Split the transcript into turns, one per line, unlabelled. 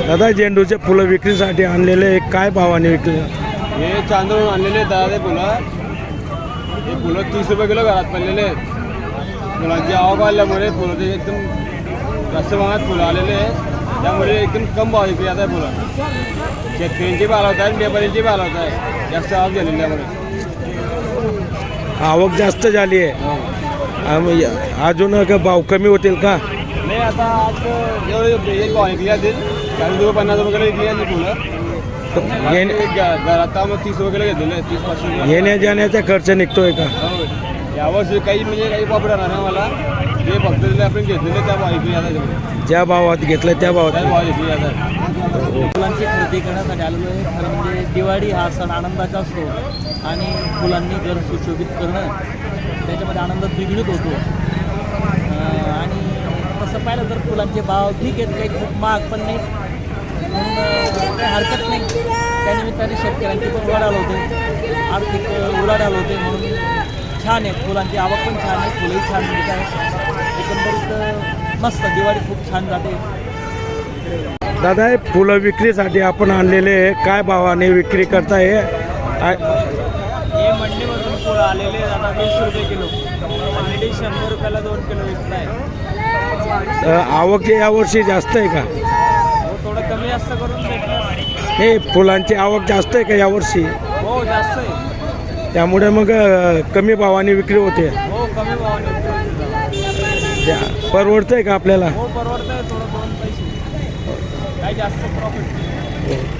दादा झेंडूचे फुलं विक्रीसाठी आणलेले काय भावाने विकले?
हे चांदूर आणलेले दादा ते फुलं, हे फुलं 30 रुपये किलो घरात पडलेले आहेत. फुलांची आवक आल्यामुळे फुलं ते एकदम जास्त प्रमाणात फुलं आलेले आहेत, त्यामुळे एकदम कम भाव विक्री आता फुलं. शेतकऱ्यांची बी आला होत आहे, व्यापाऱ्यांची बी आला होत आहे, जास्त आवक झालेली त्यामुळे.
आवक जास्त झाली आहे. अजून का भाव कमी होतील का?
नाही, आता आज एवढे एक भाव विकली जातील, 40 रुपये 50 रुपये विकली जातील फुलं. घरात मग 30 रुपये घेतलेले, 30-35 रुपये.
येण्या जाण्याचा खर्च निघतोय का?
यावर्षी काही म्हणजे काही वापर राहणार नाही मला, जे फक्त आपण घेतलेले त्या भाव विकली जातात.
ज्या भावात घेतलं त्या भावात
भाव विकली जातात.
फुलांची खरेदी करण्यासाठी आलेलो आहे. खरं म्हणजे दिवाळी हा सण आनंदाचा असतो आणि फुलांनी घर सुशोभित करणं त्याच्यामध्ये आनंद द्विगुणित होतो. आणि तसं पाहिलं तर फुलांचे भाव ठीक आहेत, काही खूप महाग पण नाही, म्हणून काही हरकत नाही. त्यानिमित्ताने शेतकऱ्यांची पण उलाढाल होते, आर्थिक उलाढाल होते, म्हणून छान आहे. फुलांची आवक पण छान आहे, फुलंही छान मिळत आहे. एकंदरीत मस्त दिवाळी खूप छान जाते.
दादा हे फुलं विक्रीसाठी आपण आणलेले काय भावाने विक्री करताय?
हे मंडीमधून फुलं आलेले आता 20 रुपये किलो, ऑलरेडी 100 रुपयाला 2 किलो विकत आहे.
आवक यावर्षी जास्त आहे का?
हो, थोडं कमी जास्त करून भेटलं.
हे फुलांची आवक जास्त आहे का यावर्षी?
हो, जास्त आहे.
त्यामुळे मग कमी भावाने विक्री होते.
हो, कमी भावाने
परवडतंय का आपल्याला?
हो, परवडतं आहे. थोडं 2 पैसे काही जास्त प्रॉफिट.